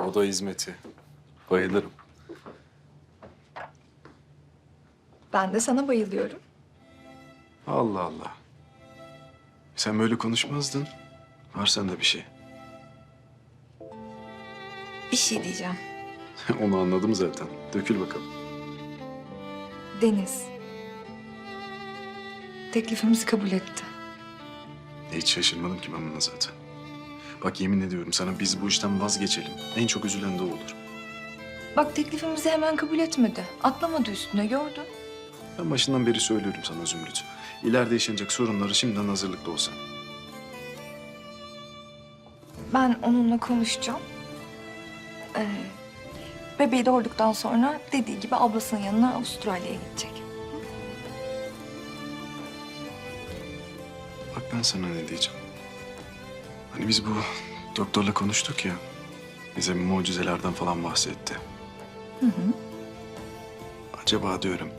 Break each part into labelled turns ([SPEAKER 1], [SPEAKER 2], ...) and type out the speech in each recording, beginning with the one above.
[SPEAKER 1] oda hizmeti. Bayılırım.
[SPEAKER 2] Ben de sana bayılıyorum.
[SPEAKER 1] Allah Allah. Sen böyle konuşmazdın. Var sende bir şey.
[SPEAKER 2] Bir şey diyeceğim.
[SPEAKER 1] Onu anladım zaten. Dökül bakalım.
[SPEAKER 2] Deniz. Teklifimizi kabul etti.
[SPEAKER 1] Hiç şaşırmadım ki ben buna zaten. Bak yemin ediyorum sana biz bu işten vazgeçelim. En çok üzülen de o olur.
[SPEAKER 2] Bak teklifimizi hemen kabul etmedi. Atlamadı üstüne gördün.
[SPEAKER 1] Ben başından beri söylüyorum sana Zümrüt. İleride yaşanacak sorunları şimdiden hazırlıklı olsan.
[SPEAKER 2] Ben onunla konuşacağım. Bebeği doğurduktan sonra dediği gibi ablasının yanına Avustralya'ya gidecek.
[SPEAKER 1] Bak ben sana ne diyeceğim. Hani biz bu doktorla konuştuk ya. Bize mucizelerden falan bahsetti.
[SPEAKER 2] Hı hı.
[SPEAKER 1] Acaba diyorum.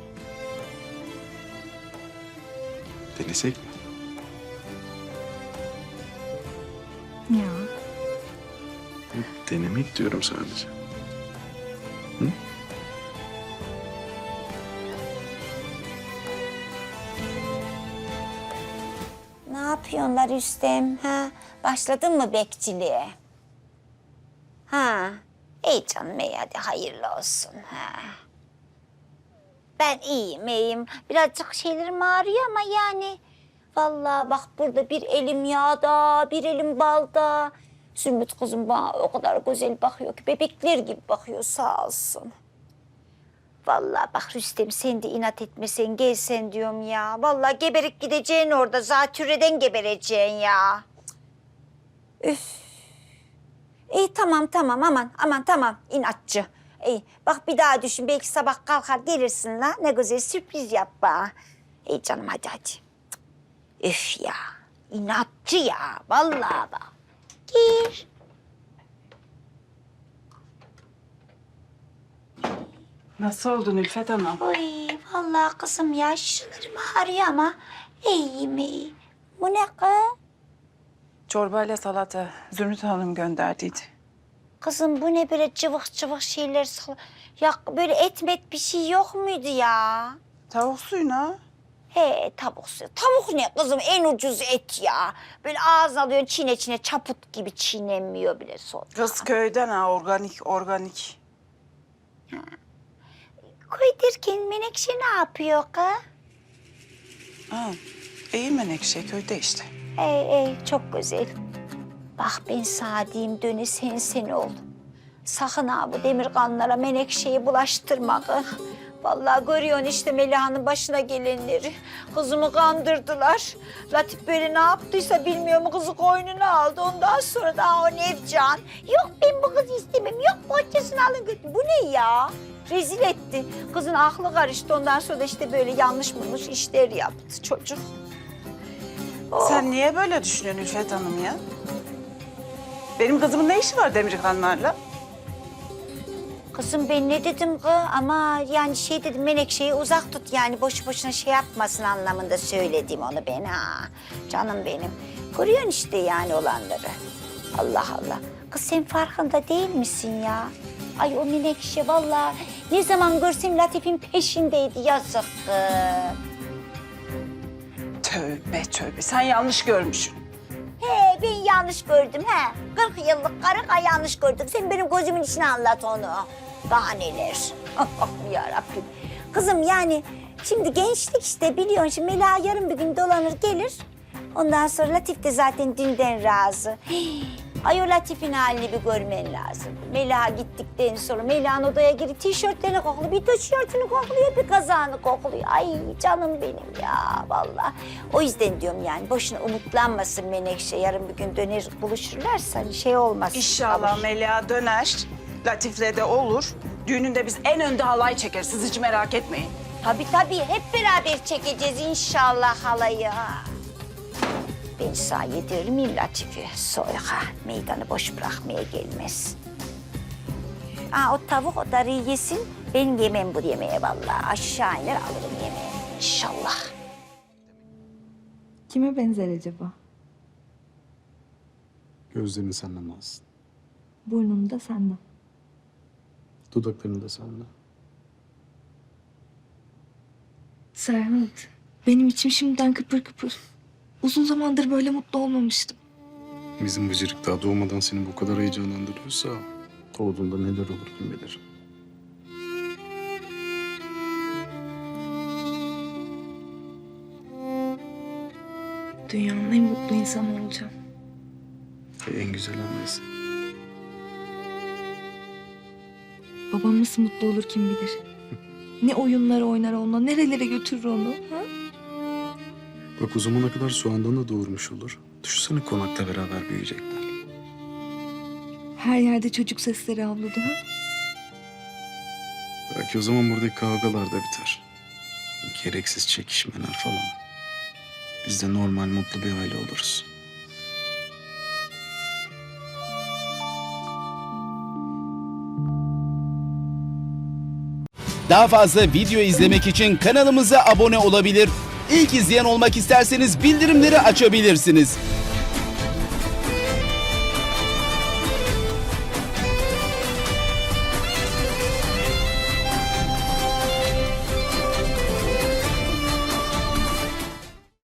[SPEAKER 1] Denesek mi?
[SPEAKER 2] Ya.
[SPEAKER 1] Denemek diyorum sadece. Hı?
[SPEAKER 3] Ne yapıyorlar Rüstem? Ha? Başladın mı bekçiliğe? Ha? İyi canım iyi hadi hayırlı olsun. Ha? Ben iyiyim. Birazcık şeylerim ağrıyor ama yani... Vallahi bak burada bir elim yağda, bir elim balda. Zümrüt kızım bana o kadar güzel bakıyor ki bebekler gibi bakıyor sağ olsun. Vallahi bak Rüstem sen de inat etmesen gelsen diyorum ya. Vallahi geberip gideceksin orada. Zatürreden gebereceksin ya. Üf. İyi tamam aman tamam inatçı. İyi bak bir daha düşün belki sabah kalkar gelirsin la. Ne güzel sürpriz yap bana. İyi canım hadi. Üf ya inatçı ya vallahi bak. Gir.
[SPEAKER 4] Nasıl oldun Ülfet Hanım?
[SPEAKER 3] Oy vallahi kızım ya şuralarım ağrıyor ama iyiyim. Bu ne kız?
[SPEAKER 4] Çorbayla salata Zümrüt Hanım gönderdiydi.
[SPEAKER 3] Kızım bu ne böyle cıvık cıvık şeyler Ya böyle et bir şey yok muydu ya?
[SPEAKER 4] Tavuk suyuna.
[SPEAKER 3] He tavuk suyu. Tavuk ne kızım en ucuz et ya. Böyle ağzına alıyorsun çine çaput gibi çiğnenmiyor bile sonra.
[SPEAKER 4] Kız köyden ha organik.
[SPEAKER 3] Koy derken Menekşe ne yapıyor kız?
[SPEAKER 4] Ha, iyi Menekşe köyde işte.
[SPEAKER 3] Ey çok güzel. Bak ben sana diyeyim döne sen ol. Sakın ha bu demirkanlara Menekşe'yi bulaştırma kız. Vallahi görüyorsun işte Meliha'nın başına gelenleri. Kızımı kandırdılar. Latif böyle ne yaptıysa bilmiyorum kızı koynuna aldı. Ondan sonra da o Nevcan. Yok ben bu kızı istemem. Yok bohçasını alın götürün. Bu ne ya? Rezil etti. Kızın aklı karıştı. Ondan sonra da işte böyle yanlış işler yaptı çocuk. Oh.
[SPEAKER 4] Sen niye böyle düşünüyorsun Ülfet Hanım ya? Benim kızımın ne işi var Demirkanlarla?
[SPEAKER 3] Kızım ben ne dedim kız ama yani şey dedim Menekşe'yi uzak tut yani boşu boşuna şey yapmasın anlamında söyledim onu ben ha. Canım benim. Görüyorsun işte yani olanları. Allah Allah. Kız sen farkında değil misin ya? Ay o Menekşe vallahi ne zaman görsem Latif'in peşindeydi yazık kız.
[SPEAKER 4] Tövbe sen yanlış görmüşsün.
[SPEAKER 3] He ben yanlış gördüm he. 40 yıllık karı yanlış gördük. Sen benim gözümün içine anlat onu. Daha neler. Allah'ım yarabbim. Kızım yani şimdi gençlik işte biliyorsun. Şimdi Mela yarın bir gün dolanır gelir. Ondan sonra Latif de zaten dünden razı. Ay o Latif'in halini bir görmen lazım. Mela gittikten sonra Mela'nın odaya girip tişörtlerini kokluyor. Bir tişörtünü kokluyor, bir kazağını kokluyor. Ay canım benim ya vallahi. O yüzden diyorum yani boşuna umutlanmasın Menekşe. Yarın bir gün döner buluşurlarsa hani şey olmaz.
[SPEAKER 4] İnşallah Melia döner. Latif'le de olur. Düğününde biz en önde halay çekeriz. Siz hiç merak etmeyin.
[SPEAKER 3] Tabii hep beraber çekeceğiz inşallah halayı. Ben sana yediririm miyim Latife? Sonra meydanı boş bırakmaya gelmez. O tavuk o darıyı yesin. Ben yemem bu yemeğe vallahi. Aşağı iner alırım yemeği inşallah.
[SPEAKER 2] Kime benzer acaba?
[SPEAKER 1] Gözlerini senden alsın.
[SPEAKER 2] Burnunu da senden.
[SPEAKER 1] Dudaklarını da sende.
[SPEAKER 2] Serhat, benim içim şimdiden kıpır kıpır. Uzun zamandır böyle mutlu olmamıştım.
[SPEAKER 1] Bizim bıcırık daha doğmadan seni bu kadar heyecanlandırıyorsa... ...doğduğunda neler olur kim bilir.
[SPEAKER 2] Dünyanın en mutlu insanı olacağım.
[SPEAKER 1] En güzel annesi.
[SPEAKER 2] Babam nasıl mutlu olur kim bilir. Ne oyunlar oynar onunla, nerelere götürür onu. Ha?
[SPEAKER 1] Bak o zamana kadar soğandan da doğurmuş olur. Düşünsene konakta beraber büyüyecekler.
[SPEAKER 2] Her yerde çocuk sesleri avladı. Ha?
[SPEAKER 1] Belki o zaman buradaki kavgalar da biter. Gereksiz çekişmeler falan. Biz de normal mutlu bir aile oluruz.
[SPEAKER 5] Daha fazla video izlemek için kanalımıza abone olabilir. İlk izleyen olmak isterseniz bildirimleri açabilirsiniz.